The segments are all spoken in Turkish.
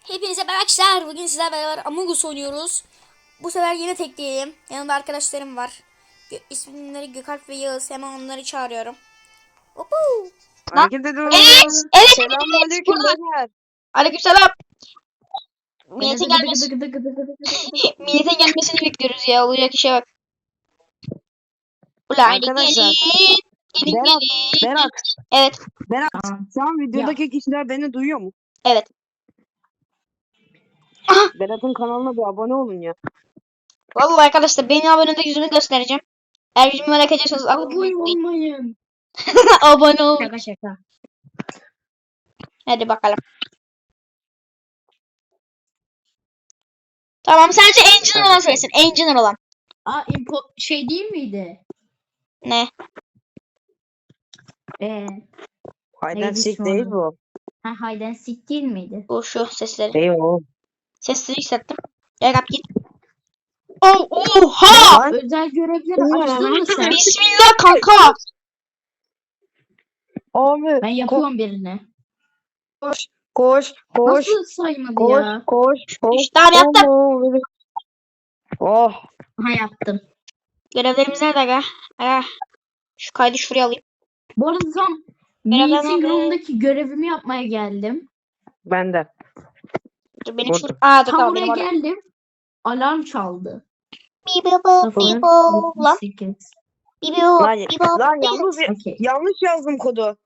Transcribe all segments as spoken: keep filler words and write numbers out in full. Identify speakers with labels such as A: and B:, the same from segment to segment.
A: Hepinize merhaba arkadaşlar. Bugün sizlerle beraber Among Us oynuyoruz. Bu sefer yine tek değilim. Yanımda arkadaşlarım var. Gö isimleri Gökalp ve Yağız. Hemen onları çağırıyorum. Hopu.
B: Hareket ediyoruz.
C: Evet, evet,
B: Selamünaleyküm
C: evet.
B: beyler.
C: Aleykümselam. Millete gelmesi, millete gelmesini bekliyoruz ya. Olacak işe bak. Ulan hadi
B: Arkadaşlar,
C: gelin. Gelin
B: Berat,
C: gelin.
B: Berat,
C: Evet,
B: Berat. Şu an videodaki kişiler beni duyuyor mu?
C: evet.
B: Berat'ın kanalına bir abone olun ya.
C: Vallahi arkadaşlar benim abonede yüzümü göstereceğim. Eğer yüzümü merak ediyorsanız
D: Abone olmayın.
C: abone ol.
D: Şaka şaka.
C: Hadi bakalım. Tamam, sadece engineer olan söylesin. Engineer olan.
D: Aa impo şey değil miydi?
C: Ne?
D: Ee,
B: Hayden
D: Neydi
B: sik
D: şu
B: değil
D: an?
B: bu.
D: ha hide and seek değil miydi?
C: Bu şu sesleri.
B: Değil o.
C: Sesleri hissettim. Gel kap git. Oh, oha!
B: Lan,
D: Özel görevleri açtın mı sen?
C: Bismillah kanka.
B: abi.
D: Ben yapıyorum birini.
B: Koş, koş, koş,
D: Nasıl saymadı
B: koş,
D: ya?
B: koş, koş.
C: İşte abi yaptım.
B: Oh.
D: Ha yaptım.
C: Görevlerimiz nerede aga? Aga. Şu kaydı şuraya alayım.
D: Bu arada tam
C: Merhaba,
D: meeting
C: merhaba.
D: room'daki görevimi yapmaya geldim.
B: Ben de.
C: Dur benim şu...
B: Orada.
C: Aa dur
D: Tam
C: tamam
D: oraya
C: benim orada.
D: geldim. Alarm çaldı.
C: Bibo
D: Sıfır,
C: bibo lan.
D: yetmiş sekiz.
C: Bibo
B: Lan,
C: bibo.
B: lan yanlış,
D: Okey.
B: yanlış yazdım kodu.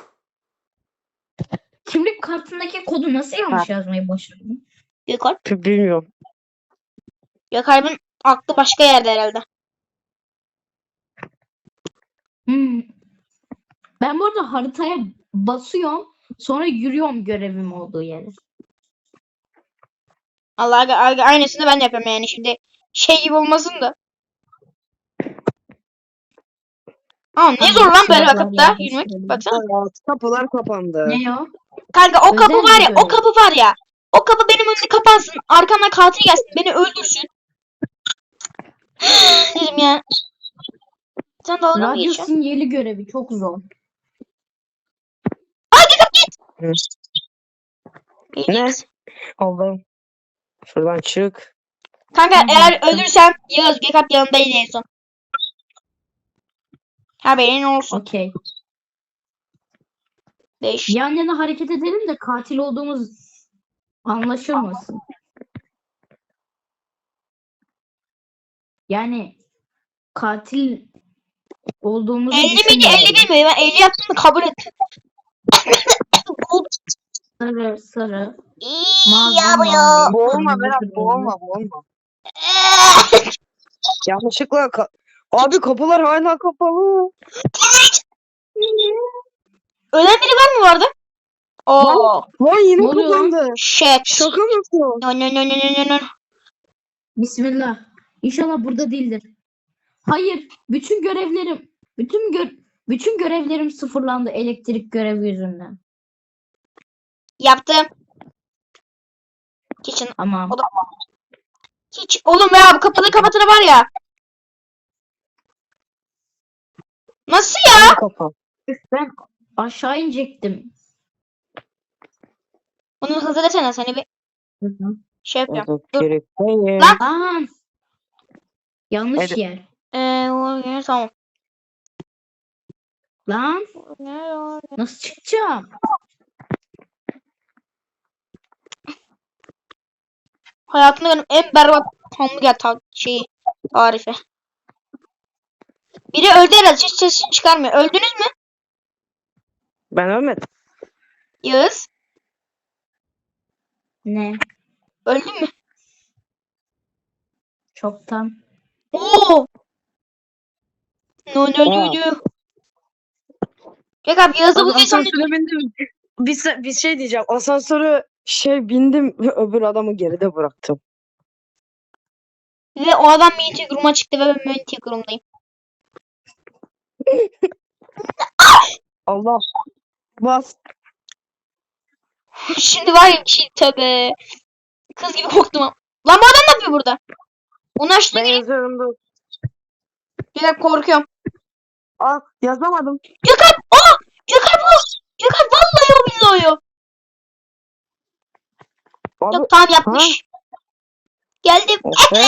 D: Kimlik kartındaki kodu nasıl yanlış yazmayı başardın?
C: Gökalp.
B: Bilmiyorum.
C: Gökalp'in aklı başka yerde herhalde.
D: Hmm. Ben bu arada haritaya basıyorum. Sonra yürüyorum görevim olduğu yere.
C: Allah aga, aga aynısını ben de yapıyorum yani şimdi. Şey gibi olmasın da. Aa ne zor lan böyle bakıp da yürümek. Baksana.
B: Aa, kapılar kapandı.
D: Ne o?
C: Kanka o
D: Özel
C: kapı var ya,
D: bir
C: o
D: görev.
C: kapı var ya. O kapı benim önümde kapansın. Arkamdan katil gelsin, beni öldürsün. Dedim ya. Sen dalga mı
D: Radyo
C: geçiyorsun?
D: sinyali görevi çok zor.
B: Ne? Allah'ım. Şuradan çık.
C: Kanka
D: Ben
C: eğer
D: baktım.
C: ölürsem Yağız Gökalp yanındaydı en son. Haberin olsun.
D: Okey.
C: Değiş.
D: Yan yana hareket edelim de katil olduğumuz anlaşılmasın. Yani katil olduğumuzu
C: elli miydi
D: düşünmüyorum.
C: elli bir mi? Ben elli yaptım da kabul ettim.
D: Sarı sarı.
C: İyi
D: Mavi
C: ya bu ya.
D: mavi.
B: Boğulma
D: kırmızı,
B: Berat,
D: kırmızı.
B: boğulma, boğulma. Yanlışlıkla ka- abi kapılar hala kapalı.
C: Ölen biri var mı bu arada? Oo.
B: Lan yine
D: Ne oluyor lan?
B: kapandı.
C: Shit.
B: Şaka mısın?
C: No no no no no no no.
D: Bismillah. İnşallah burada değildir. Hayır, bütün görevlerim, bütün gö bütün görevlerim sıfırlandı elektrik görevi yüzünden.
C: Yaptım. Kitchen.
D: Tamam.
C: O da hiç oğlum ya bu kapıyı kapatını var ya. Nasıl ya?
B: Yine kapan.
D: Ben aşağı inecektim.
C: Onu hızlı desene seni bir şey yapıyorum. Dur.
B: Gerek değil.
C: Lan.
D: Lan. Yanlış
B: Hadi.
D: yer.
C: Eee o- tamam.
D: Lan nasıl çıkacağım?
C: Hayatımda benim en berbat hamburger ta şeyi tarifi. Biri öldü herhalde, hiç sesini çıkarmıyor. Öldünüz mü?
B: Ben ölmedim.
C: Yağız.
D: Ne?
C: Öldün mü?
D: Çoktan.
C: Oo. No no no no. Gel abi Yağız'la bu son
B: Asansöre bindim. Bir, se- bir şey diyeceğim. Asansöre şey bindim ve öbür adamı geride bıraktım.
C: ve o adam Minty Groom'a çıktı ve ben Minty Groom'dayım.
B: Allah. Bas.
C: Şimdi var ya bir şey tabi. Kız gibi korktum ama. Lan bu adam ne yapıyor burada? Onu açtı
B: Ben
C: gireyim.
B: yazıyorum dur.
C: Gel korkuyorum.
B: Aa yazamadım.
C: Gökalp! Aa! Gökalp o! Gökalp vallahi o billahi o.
B: Abi,
C: Yok tamam yapmış. Geldim.
B: Efe.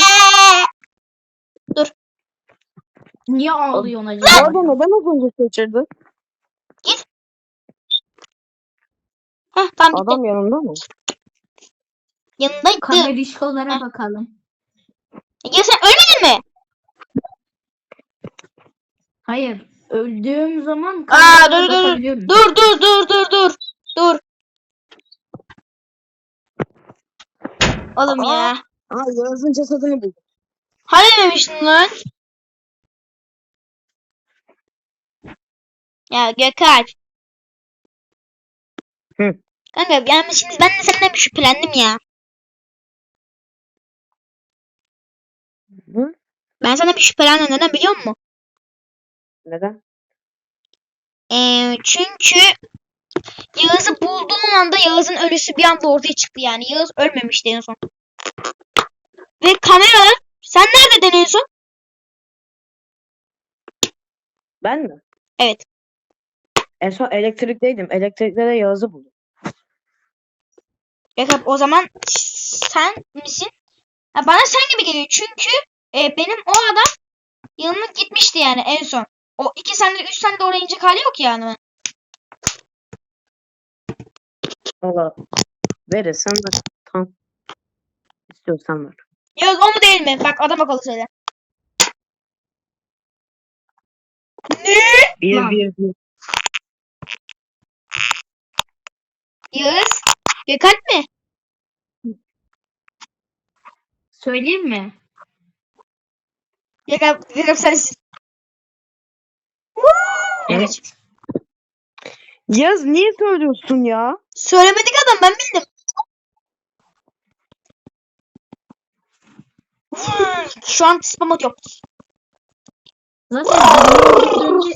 D: Niye ağlıyorsun
B: Bu
D: acaba?
B: arada neden az önce kaçırdın?
C: Heh tamam bitti.
B: Adam yanında mı?
C: Yanındaydı.
D: Kamerişkolara
C: Heh.
D: bakalım.
C: Ya sen ölmedin mi?
D: Hayır. Öldüğüm zaman
C: Aa
D: kameralara
C: dur dur
D: bakabiliyorum.
C: dur dur dur dur dur dur. Oğlum ya.
B: Aa, Yağız'ın cesedini buldum.
C: Hani dememiştin lan? Ya Gökalp.
B: Hı.
C: Kanka yani şimdi ben de senden bir şüphelendim ya.
B: Hı?
C: Ben sana bir şüphelendim. Neden biliyor musun?
B: Neden?
C: Ee, çünkü Yağız'ı bulduğun anda Yağız'ın ölüsü bir anda ortaya çıktı yani. Yağız ölmemişti en son. Ve kameralar sen neredeydin en son?
B: Ben mi?
C: Evet.
B: En son elektrikteydim. Elektrikte de Yağız'ı buldum.
C: Gökalp o zaman sen misin? Ha, bana sen gibi geliyor çünkü e, benim o adam yanına gitmişti yani en son. O iki sende üç sende oraya inecek hali yok yani.
B: Valla verirsen ver. Tamam. İstiyorsan ver.
C: Yağız o mu değil mi? Bak adam akıllı söyle. Ne?
B: Bir
D: Lan.
B: bir bir.
C: Yağız? Gökalp mi?
D: Söyleyeyim mi?
C: Gökalp, Gökalp sensin.
B: Evet. Yağız niye söylüyorsun ya?
C: Söylemedik adam ben bildim. Şu an spam atıyor.
D: Zaten birini öldürdüğünde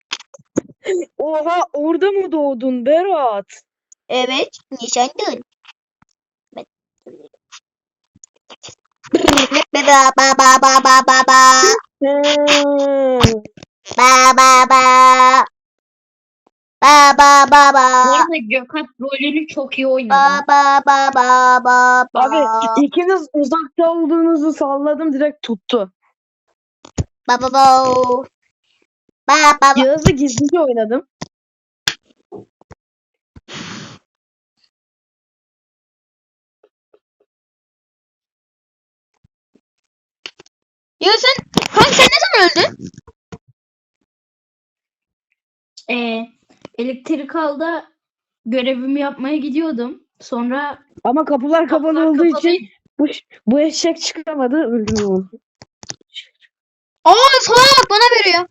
B: Oha, orada mı doğdun Berat?
C: Evet. Nişandın. Ba ba ba ba ba ba ba.
B: Hmm.
C: Ba ba ba. Ba ba ba
D: bu
C: ba.
D: arada Gökalp rolünü çok iyi
C: Ba
D: oynadı.
C: ba ba ba ba ba.
B: Abi ikiniz uzakta olduğunuzu salladım, direkt tuttu.
C: Ba ba ba. Ba ba ba.
B: Yağız'ı gizlice oynadım.
C: Ya sen kanka sen ne zaman öldün?
D: Ee, elektrikalda görevimi yapmaya gidiyordum. Sonra
B: Ama kapılar kapalı
D: kapılar
B: olduğu
D: kapalı.
B: için bu, bu eşek çıkamadı. Öldüm onu.
C: Aa sana bak bana veriyor.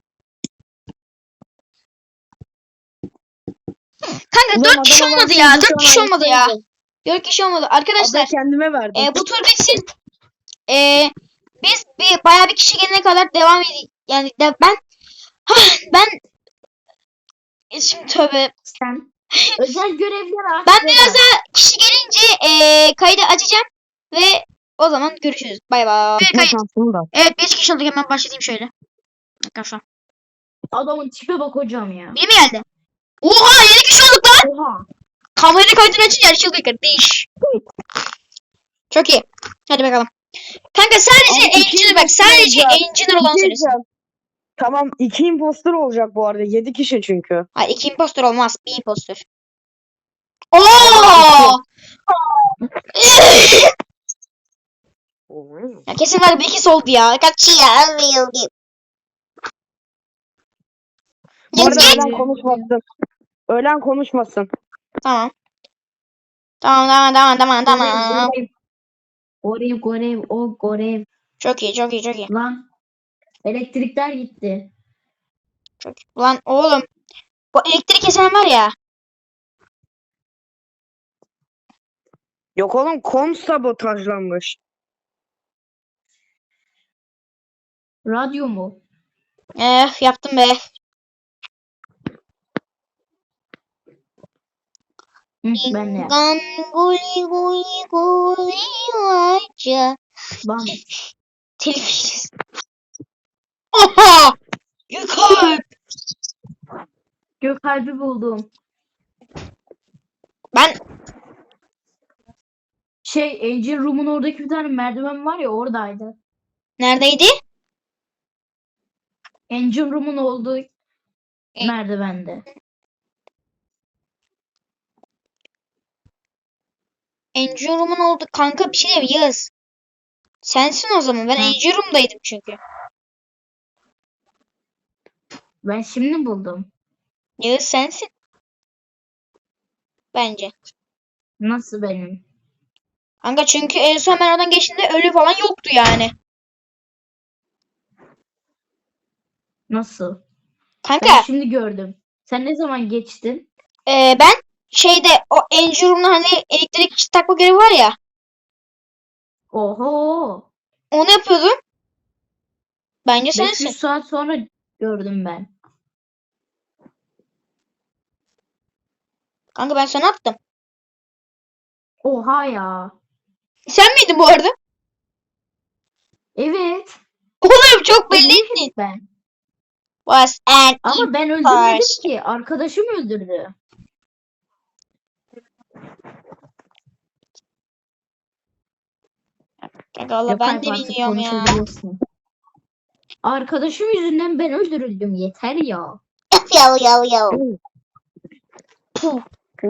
C: Kanka
B: Ulan
C: dört kişi
B: adama
C: olmadı
B: baktım,
C: ya.
B: şu
C: Dört
B: an
C: kişi olmadı ya.
B: ayıktaydı.
C: Dört kişi olmadı.
B: Abla
C: Arkadaşlar
B: kendime verdim.
C: e, bu tur bitsin. E, biz bir bayağı bir kişi gelene kadar devam edeyim. Yani de, ben Hah, ben e, şimdi tövbe.
D: sen özel görevler aç.
C: Ben
D: Berat.
C: biraz daha kişi gelince e, kaydı açacağım ve o zaman görüşürüz. Bay bay.
B: Ne şansım da.
C: Evet beş kişi olduk hemen başlayayım şöyle. Arkadaşlar.
D: Adamın tipe bak hocam ya.
C: Biri mi geldi? Oha yedi kişi olduk lan.
D: Oha.
C: Kamerayı kaydını açınca her şey oluyor kardeş. Çok iyi. Hadi bakalım. Kanka sadece
B: Abi, iki
C: engineer bak. Sadece
B: olacak.
C: engineer olan
B: Bir şey
C: söylesin.
B: diyeceğim. Tamam, iki imposter olacak bu arada. Yedi kişi çünkü.
C: Hayır iki impostor olmaz. Bir impostor. Oo! Ya kesin var bir ikisi oldu ya. Kaç ya?
B: Bu arada
C: Git.
B: öğlen konuşmasın. Öğlen konuşmasın.
C: Tamam. Tamam tamam tamam tamam tamam.
D: Görev, görev, görev, o görev.
C: Çok iyi çok iyi çok iyi.
D: Lan elektrikler gitti.
C: Çok iyi. Ulan oğlum. Bu elektrik kesen var ya.
B: Yok oğlum, kom sabotajlanmış.
D: Radyo mu?
C: Eh yaptım be.
D: Hı, ben de yaptım.
C: Gan guli guli guli aca.
D: Lan
C: Telif. Oha! Gökalp.
D: Gökalp'i buldum.
C: Ben
D: Şey Engine Room'un oradaki bir tane merdiven var ya oradaydı.
C: Neredeydi?
D: Engine Room'un olduğu
C: E-
D: merdivende.
C: Engine Room'un oldu. Kanka bir şey diyeyim Yağız. Sensin o zaman. Ben
D: Ha.
C: Engine Room'daydım çünkü.
D: Ben şimdi buldum.
C: Yağız sensin. Bence.
D: Nasıl benim?
C: Kanka çünkü en son ben oradan geçtiğimde ölü falan yoktu yani.
D: Nasıl? Ben
C: Kanka
D: şimdi gördüm. Sen ne zaman geçtin?
C: e, ben şeyde o Engine Room'da hani elektrik takma görevi var ya.
D: Oho.
C: Onu yapıyordum. Bence
D: beş
C: sensin.
D: yüz saat sonra gördüm ben.
C: Kanka ben sana attım.
D: Oha ya.
C: Sen miydin bu arada?
D: Evet.
C: Oğlum çok
D: Belli
C: belliydin.
D: ben.
C: Was an
D: Ama ben öldürmedim
C: imposter.
D: ki. Arkadaşım öldürdü.
C: Kanka valla ben de
D: Gökalp artık
C: bilmiyorum ya.
D: konuşabilirsin. Arkadaşım yüzünden ben öldürüldüm. Yeter ya.
C: Yo yo yo.
B: Puh.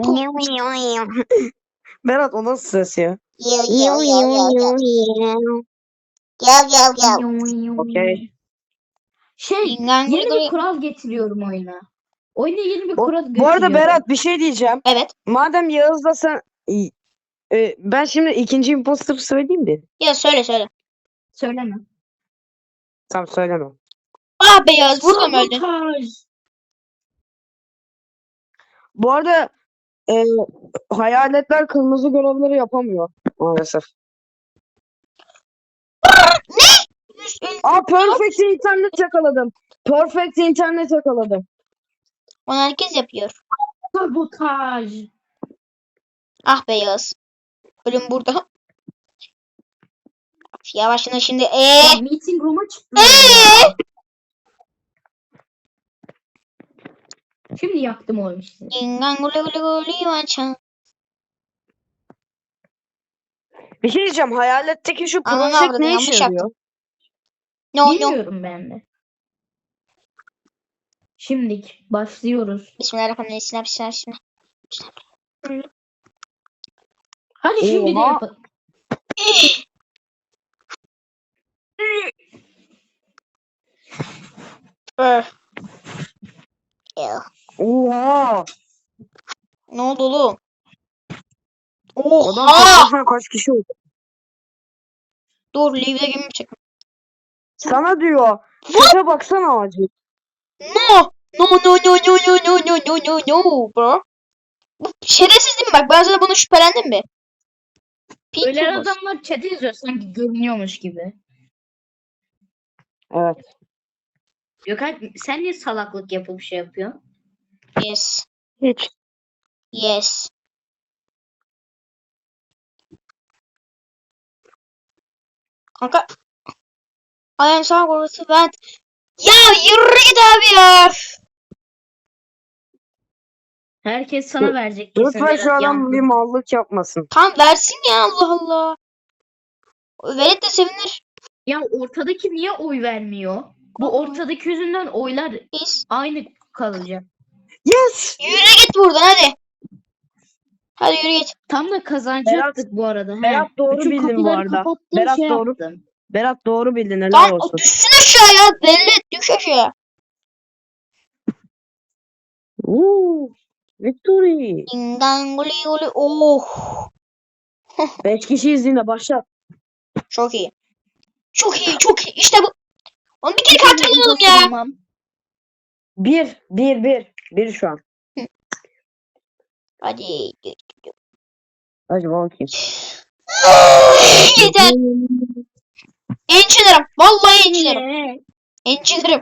B: Berat o nasıl ses ya?
C: Yo yo yo yo yo. Yo yo yo.
B: Okey.
D: Şey
C: Dingan
D: yeni
C: guri
D: bir
C: guri.
D: kural getiriyorum oyuna. Oyuna yeni bir
B: Bu,
D: kural
B: bu arada
D: getiriyorum.
B: Berat bir şey diyeceğim.
C: Evet.
B: Madem Yağız'la sen İ- e, ben şimdi ikinci imposter söyleyeyim mi?
C: Ya söyle söyle.
D: Söyleme.
B: Tamam söylemem.
C: Ah beyaz burada mı öldün?
D: Sabotaj.
B: Bu arada e, hayaletler kırmızı görevleri yapamıyor maalesef. Aa perfect internet yakaladım. Perfect internet yakaladım.
C: Onu herkes yapıyor.
D: Sabotaj.
C: Ah beyaz. Ölüm burada. Yavaşına şimdi. Eee.
D: Ya, meeting room'a çıktım.
C: Eee.
D: ya. Şimdi yaktım oyunu işte.
C: Dingan guli guli guli maçan.
B: Bir şey diyeceğim. Hayaletteki şu
C: Ananı
B: project
C: avradını
B: ne
C: yanlış
B: işe
C: yaptım.
B: yarıyor?
C: No no.
D: Bilmiyorum ben de. Şimdilik başlıyoruz.
C: Bismillahirrahmanirrahim. Bismillah. Bismillah.
D: Hadi şimdi de
B: Oha.
D: yapalım.
C: Öh. Ew.
B: Oha.
C: Ne oldu oğlum?
B: Adam
C: Oha!
B: toplasana kaç kişi oldu?
C: Dur, leave'de gibi çek.
B: Sana diyor. Sese baksana acil.
C: No! No no no no no no no no no no bro. Bu şerefsiz değil mi? Bak ben sana bunu şüphelendim mi? Pink
D: Öyle
C: Tubos.
D: adamlar chat'e yazıyor sanki görünüyormuş gibi.
B: Evet.
D: Gökalp sen niye salaklık yapıp şey yapıyorsun?
C: Yes.
B: Hiç.
C: Yes. Kanka. I am so going to vent. Ya yürü git abi ya.
D: Herkes sana
B: Dur-
D: verecek kesin.
B: Lütfen şu
D: Berat
B: adam
D: yandı.
B: bir mallık yapmasın.
C: Tamam versin ya Allah Allah. Velet de sevinir.
D: Ya ortadaki niye oy vermiyor? Bu ortadaki yüzünden oylar
C: Biz.
D: aynı kalacak.
B: Yes!
C: Yürü git buradan hadi. Hadi yürü git.
D: Tam da kazanacaktık bu arada. He.
B: Berat doğru
D: Bütün
B: bildin bu
D: kapıları
B: arada.
D: kapattım,
B: Berat
D: şey
B: doğru.
D: yaptım.
B: Berat doğru bildin. Helal
C: Lan o
B: olsun.
C: düşsün aşağıya. Velet düş aşağıya.
B: Uuu. Victory.
C: Dingan guli guli. Oh.
B: Beş kişiyiz yine başla.
C: Çok iyi. Çok iyi çok iyi. İşte bu. Onu bir kere katil olalım ya.
D: Tamam.
B: Bir. Bir. Bir. Bir şu an.
C: Hadi.
B: Hadi bakayım.
C: Yeter. Ençilerim. Vallahi ençilerim. Ençilerim.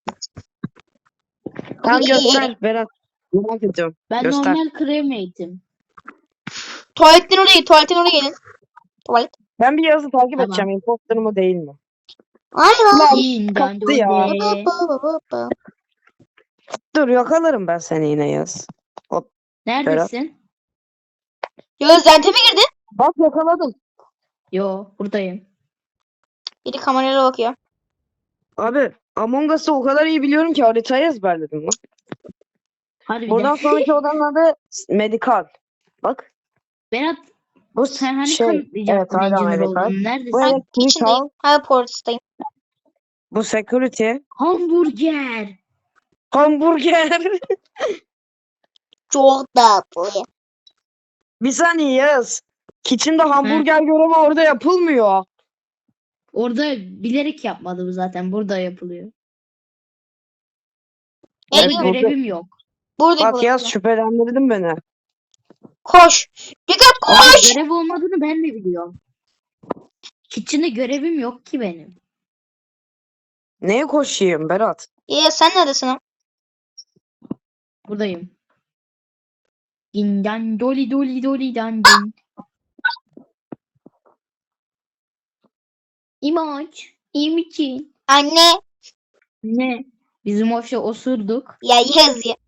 B: Tamam göster Berat. Merak ediyorum.
D: Ben
B: Göster.
D: normal cremate'im.
C: Tuvaletten oraya git. Tuvaletten oraya gelin. Tuvalet.
B: Ben bir yazı takip
D: Tamam.
B: edeceğim. Imposter mı değil mi?
C: Ay
B: Lan
D: İyinden
B: kaptı ya.
D: döndü.
B: Dur yakalarım ben seni yine yaz.
D: Neredesin?
C: Ya Zente mi girdin?
B: Bak yakaladım.
D: Yo buradayım.
C: Biri kamerayla bakıyor.
B: Abi Among Us'ı o kadar iyi biliyorum ki haritayı ezberledim lan.
D: Harbiden.
B: Buradan sonraki odanın adı Medikal. Bak.
D: Berat
B: Bu
D: sen hani
B: şey.
D: kanıtlayacaktın
B: Evet hala
D: engineer
B: Medikal.
D: olduğunu.
B: Bu
D: Neredesin?
C: Ben
B: elektrikal.
C: kitchen'dayım. Hala portistayım.
B: Bu security.
D: Hamburger.
B: Hamburger.
C: Çok tatlı.
B: Bir saniye yaz. Kitchen'da hamburger görevi orada yapılmıyor.
D: Orada bilerek yapmadım zaten. Burada yapılıyor.
C: Evet,
D: Orada
B: burada-
D: görevim yok.
C: Burada
B: Bak yaz
C: yapılıyor.
B: şüphelendirdin beni.
C: Koş. Gökhan
D: Ama
C: koş.
D: görev olmadığını ben de biliyorum. Kitchen'de görevim yok ki benim.
B: Neye koşayım Berat?
C: Ya sen neredesin ha?
D: Buradayım. Dindan doli doli doli dan din. İmaç. İyi misin?
C: Anne.
D: Ne? Bizim ofşa osurduk.
C: Ya yaz ya.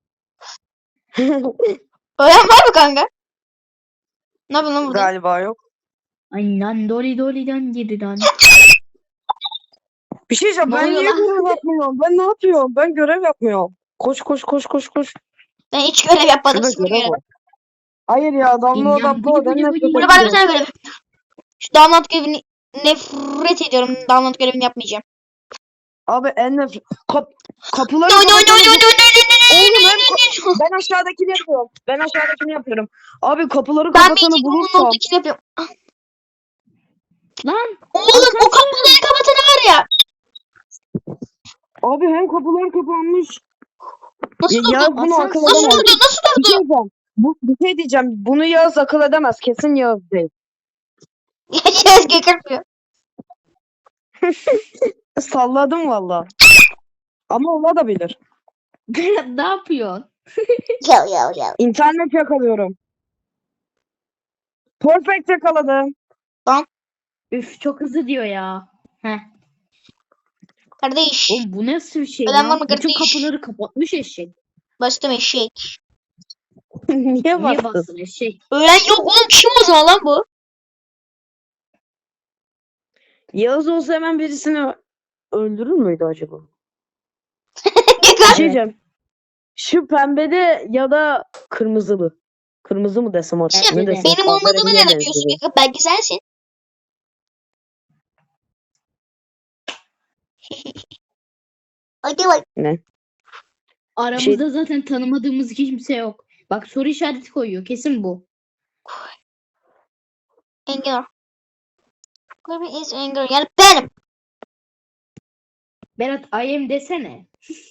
C: Öğren var mı kanka? Ne yapıyorsun lan burada?
B: Galiba yok.
D: Aynen doli doli dan dan.
B: Bir şey diyeceğim.
D: Ne
B: Ben
D: oluyor
B: niye
D: lan?
B: görev yapmıyorum? Ben ne yapıyorum? Ben görev yapmıyorum. Koş koş koş koş koş.
C: Ben hiç görev yapmadım.
B: Şurada
C: Sıfır
B: görev
C: görev.
B: var. Hayır ya damla
D: Dinlen,
B: damla
D: bıcı
B: ben
D: bıcı
B: nefret
D: bıcı.
C: Burada var bir
B: ediyorum.
C: tane görev. Şu download görevini nefret ediyorum. Download görevini yapmayacağım.
B: Abi en nefret. Kap kapıları
C: No no no no
B: kapatalım.
C: no no no
B: Oğlum
C: no
B: hem
C: no no.
B: ben aşağıdakini yapıyorum. Ben aşağıdakini yapıyorum. Abi kapıları
C: Ben
B: kapatanı
C: Magic Room'un
B: bulursam.
C: oradakini yapıyorum.
D: Lan
C: Oğlum o kapıları kapatanı var ya.
B: Abi hem kapılar kapanmış.
C: Nasıl
B: Ya,
C: durdu?
B: Yağız bunu
D: Asansör-
B: akıl
C: Nasıl
B: edemez.
C: durdu? Nasıl
B: Bir
C: durdu?
B: şey diyeceğim. Bu, bir şey diyeceğim. Bunu Yağız akıl edemez. Kesin Yağız değil.
C: Ya yaz gökermiyor.
B: Salladım valla. Ama olabilir.
D: Berat ne yapıyorsun?
C: Ya ya ya.
B: İnternet yakalıyorum. Perfect yakaladım.
D: Üf çok hızlı diyor ya. Heh.
C: Kardeş.
D: Oğlum bu nasıl bir şey
C: Ölen
D: ya?
C: var mı
D: Bütün
C: kardeş?
D: kapıları kapatmış eşek.
C: Bastım eşek.
B: Niye
D: Niye
B: bastın?
D: bastın eşek?
C: Ölen yok oğlum. Kim o zaman lan bu?
B: Yağız olsa hemen birisini öldürür müydü acaba? Bir
C: Gökhan.
B: şey
D: Evet.
B: diyeceğim. Şu pembede ya da kırmızılı. Kırmızı mı desem artık?
C: İşte
B: Ne desem?
C: benim olmadığımı
B: Kahverengiye
C: nereden biliyorsun
B: benziyor.
C: Gökhan? Belki sensin. Hadi bak.
B: Ne?
D: Aramızda zaten tanımadığımız kimse yok. Bak soru işareti koyuyor. Kesin bu.
C: Anger. Kirby is anger. Yani benim.
D: Berat I am desene.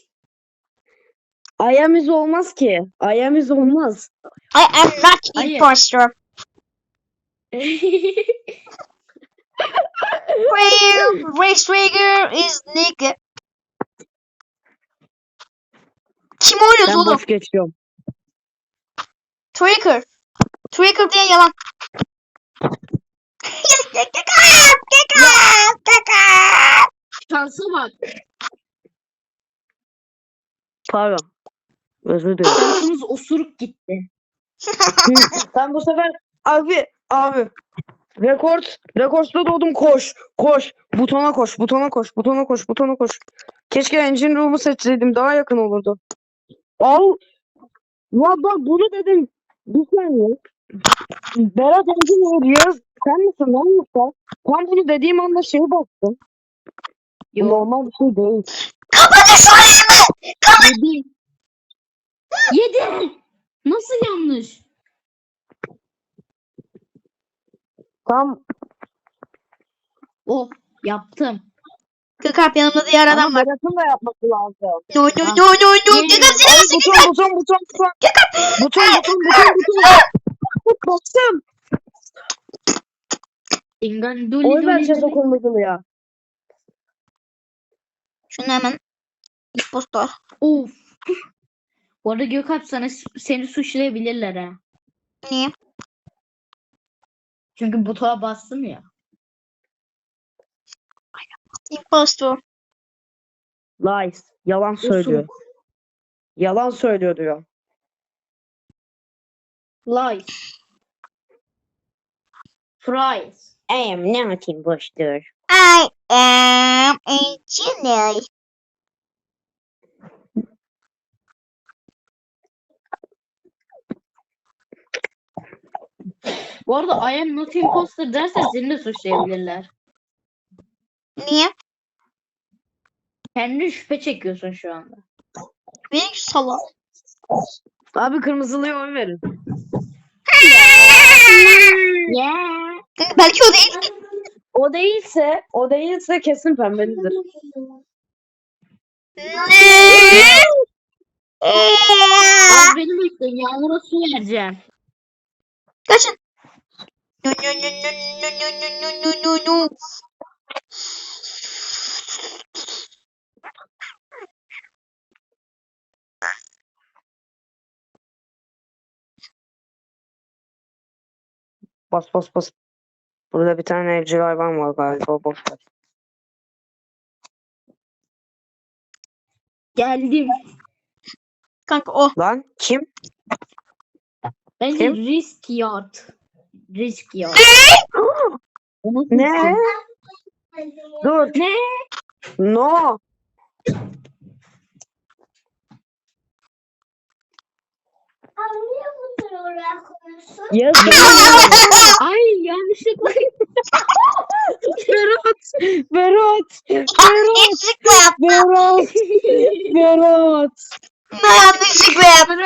B: Ayamiz olmaz ki. Ayamiz olmaz.
C: I am not
D: Hayır.
C: imposter. Race Trigger is nigga. Kim oynuyor
B: Ben
C: oğlum?
B: boş geçiyorum.
C: Trigger. Trigger diye yalan.
D: Şansa bak.
B: Pardon. Özür dilerim.
D: Şansımız osuruk gitti.
B: Sen bu sefer abi abi rekord rekorda doğdum koş koş butona koş butona koş butona koş butona koş. Keşke engine room'u seçseydim daha yakın olurdu. Al. Ya bak bunu dedim. Bir saniye. Berat engine room Yağız sen misin lan yoksa? Tam bunu dediğim anda şey bastım. Bu
D: Yok.
B: normal bir şey değil.
C: Kapatın şu ayağımı.
D: Yedi. Yedi. Nasıl yanlış?
B: Tam
D: Oh yaptım.
C: Gökalp yanımda diğer adam
B: ama
C: var.
B: Berat'ın da yapması lazım.
C: No no no no no.
D: Yemin
C: Gökalp seni
B: Ay,
C: nasıl
B: buton buton buton buton. Buton buton buton buton. Bastım.
D: Dingan doli
B: Oy
D: doli
B: vereceğiz o
D: doli.
B: kırmızılı ya.
C: Şunu hemen impostor.
D: Of. Bu arada Gökalp sana seni suçlayabilirler ha.
C: Niye?
D: Çünkü butona bastım ya.
C: Impostor.
B: Lies. Yalan söylüyor.
D: Osuruk.
B: Yalan söylüyor diyor.
D: Lies. Fries.
B: I am not imposter.
C: I am a genius.
D: Bu arada I am not imposter dersen seni de suçlayabilirler.
C: Niye?
D: Kendi şüphe çekiyorsun şu anda.
C: Benim salak.
B: Abi kırmızılıya oy verin.
D: Yeah.
C: Kanka belki o değil.
B: O değilse, o değilse kesin pembelidir.
C: Ne?
D: Az beni bekleyin. Yağmur'a su vereceğim.
C: Kaçın. No no no no no no no no no no.
B: Bas bas bas. Burada bir tane evcil hayvan var galiba. Boş ver.
D: Geldim.
C: Kanka o.
B: Lan kim?
D: Bence
B: Kim?
D: risk yard. Risk yard. Onu
B: Ne?
D: seçtim.
B: Dur.
D: Ne?
B: No. Yes.
D: Ay yanlışlıkla.
B: Berat. Berat. Berat.
C: Yanlışlıkla yaptım.
B: Berat. Berat.
C: Yanlışlıkla yaptım.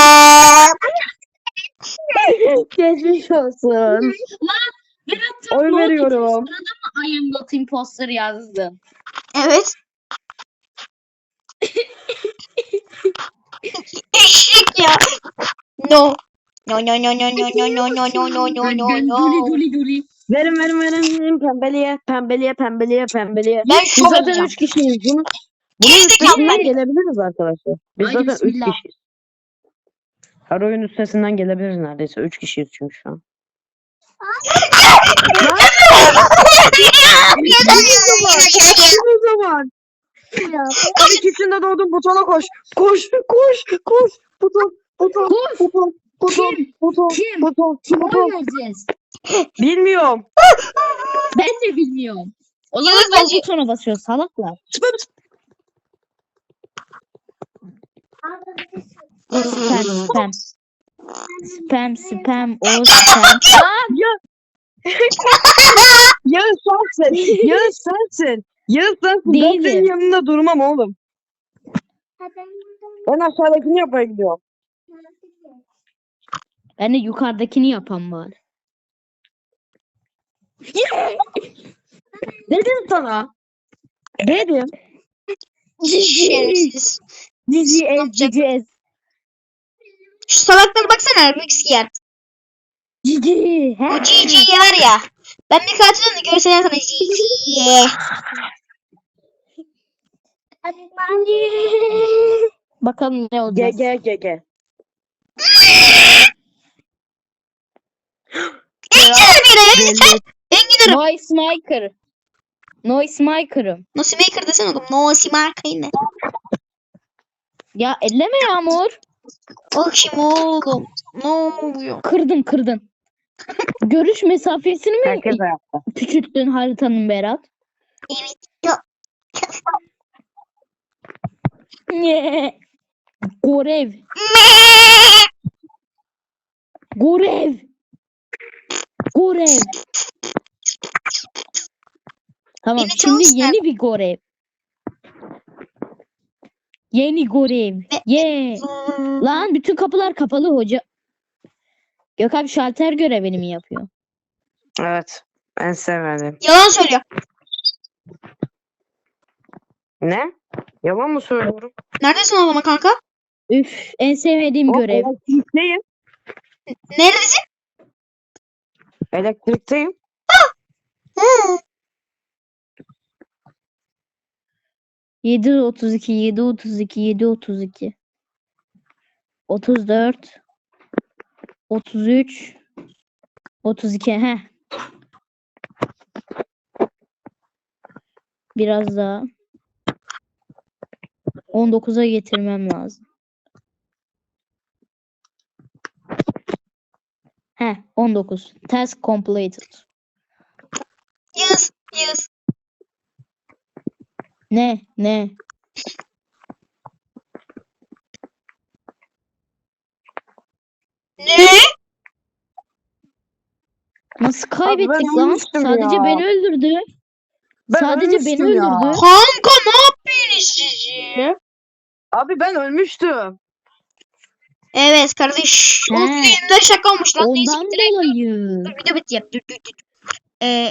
B: Geçmiş olsun.
D: Berat tam
B: Oy
D: no
B: veriyorum.
D: dediğin sırada mı I am not imposter yazdın?
C: Evet. Eşek ya. No. No no no no no no no no no no no no
D: Dön,
C: no.
D: Duli duli duli.
B: Verin verin verin. verin. Pembeliye. Pembeliye. Pembeliye. Pembeliye.
C: Ben
B: Biz
C: şov
B: zaten
C: yapacağım.
B: üç kişiyiz. Bunu, bunun
C: Gerizekalı
B: üstesinden
C: ben.
B: gelebiliriz arkadaşlar. Biz
D: Haydi
B: zaten üç
D: bismillah.
B: kişiyiz. Her oyun üstesinden gelebiliriz neredeyse. Üç kişiyiz çünkü şu an. Kim o zaman? Abi ikisinde doğdum butona koş. Koş koş koş. Buton buton
D: Koş.
B: buton buton
D: Kim?
B: buton
D: Kim?
B: buton
D: Kime oy
B: buton.
D: vereceğiz?
B: Bilmiyorum.
D: Ben de bilmiyorum. O zaman
C: Yağız
D: ben
C: bence-
D: butona basıyor salaklar. Spam spam. Spam spam o spam.
B: Yağız sensin. Yağız sensin. Yağız sensin. Ben
D: Değilim.
B: senin yanında durmam oğlum. Ben aşağıdakini yapmaya gidiyorum.
D: Ben de yukarıdakini yapan var.
B: Dedim sana. Dedim.
C: Şerefsiz.
D: Cici ez
C: yapacak?
D: cici ez.
C: Şu salaklara baksana Rubik's yer.
D: Cici.
C: O
D: he.
C: G G'ye var ya. Ben bir katil onu görsem sana G G.
D: Bakalım ne
B: G
D: olacak.
B: G G G.
C: Engineer bir yere yeter. Engineer.
D: Noise maker. Noise maker'ım.
C: Nosi Maker desene oğlum. Nosi Maker ne?
D: Ya elleme Yağmur.
C: Bak şimdi oğlum. Ne oluyor?
D: Kırdın kırdın. Görüş mesafesini mi
B: Herkes ayakta.
D: küçülttün haritanın Berat?
C: Evet. Ya.
D: Ne? Gorev. Gorev. Gorev. Tamam
C: Beni
D: şimdi
C: çalıştır.
D: yeni bir görev. Yeni görev. Ye. Lan bütün kapılar kapalı hoca. Gökhan şalter görevini mi yapıyor?
B: Evet. En sevmedim.
C: Yalan söylüyor.
B: Ne? Yalan mı söylüyorum?
C: Neredesin o zaman kanka?
D: Üf en sevmediğim
B: O
D: görev.
B: elektrikteyim.
C: Neredesin?
B: Elektrikteyim.
C: Hı.
D: yedi otuz iki, yedi otuz iki, yedi otuz iki. otuz dört, otuz üç, otuz iki. Heh. Biraz daha. on dokuza getirmem lazım. Heh, on dokuz. Task completed.
C: Yağız. Yağız.
D: Ne? Ne?
C: Ne?
B: Abi
D: Nasıl
B: ben
D: kaybettik lan?
B: ölmüştüm
D: Sadece
B: ya.
D: beni öldürdü.
B: Ben
D: Sadece beni
B: ölmüştüm ya.
D: öldürdü.
C: Kanka ne yapıyorsunuz siz ya?
B: Abi ben ölmüştüm.
C: Evet kardeş.
D: He.
C: O filmler şaka olmuş lan. Neyse
D: Ondan
C: direkt
D: dolayı.
C: dur video bitti yap. Dur dur dur. Ee,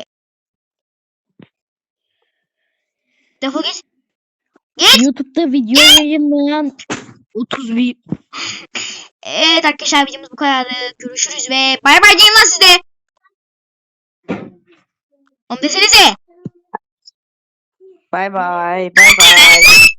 C: defol git.
D: YouTube'da video yayınlayan otuz bir
C: Evet arkadaşlar videomuz bu kadar. Görüşürüz ve bay bay diyeyim lan size. Onu desenize.
B: Bay bay. Bay bay.